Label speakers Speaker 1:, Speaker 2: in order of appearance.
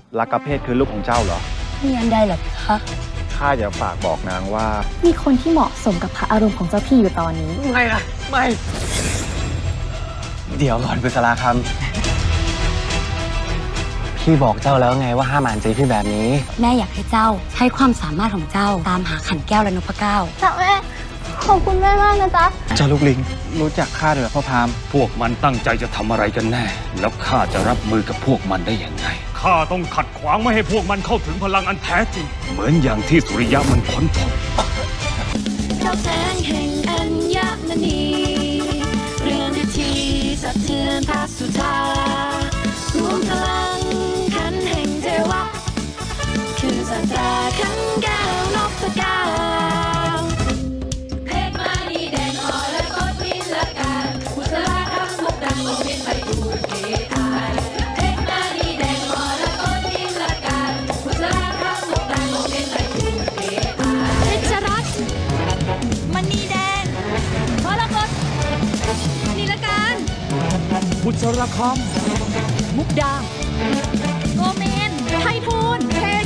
Speaker 1: ลักกะเพศคือลูกของเจ้าเหรอ
Speaker 2: มีอันใดเหรอคะ
Speaker 1: ข้าอยากฝากบอกนางว่า
Speaker 3: มีคนที่เหมาะสมกับพระอารมณ์ของเจ้าพี่อยู่ตอนนี้
Speaker 4: ไม่นะไม่
Speaker 5: เดี๋ยวก่อนบุษราคำพี่บอกเจ้าแล้วไงว่าห้ามอ่านใจพี่แบบนี้
Speaker 2: แม่อยากให้เจ้าใช้ความสามารถของเจ้าตามหาขันแก้วและนพเก้า
Speaker 3: จ้าแม่ ขอบคุณแม่มากนะจ๊ะ
Speaker 1: เจ้าลูกลิง รู้จักข้าด้วยเหรอพ่อพราหมณ์
Speaker 6: พวกมันตั้งใจจะทำอะไรกันแน่ แล้วข้าจะรับมือกับพวกมันได้อย่างไง ข้าต้องขัดขวางไม่ให้พวกมันเข้าถึงพลังอันแท้จริง เหมือนอย่างที่สุริยะมันค้นพบ
Speaker 7: ดาวแสงแห่งอัญมณีเรือนทีสะเทือนพระสุธารวมพลังขันแห่งเทวะ คือสัตราขันแก้วนพเก้าเพชรมานีแดงอ่อนและกดพินละกันบุษราคำมุกดังลงดินไปดูเกตายเพชรมานีแดงอ่อนและกดพินละกันบุษราคำมุกดังลงดินไปดูเกตายเพชรรัตน์มณีแดงมรกตนีลการ
Speaker 4: บุษราค
Speaker 7: มุกดาโกเมนไททูลเท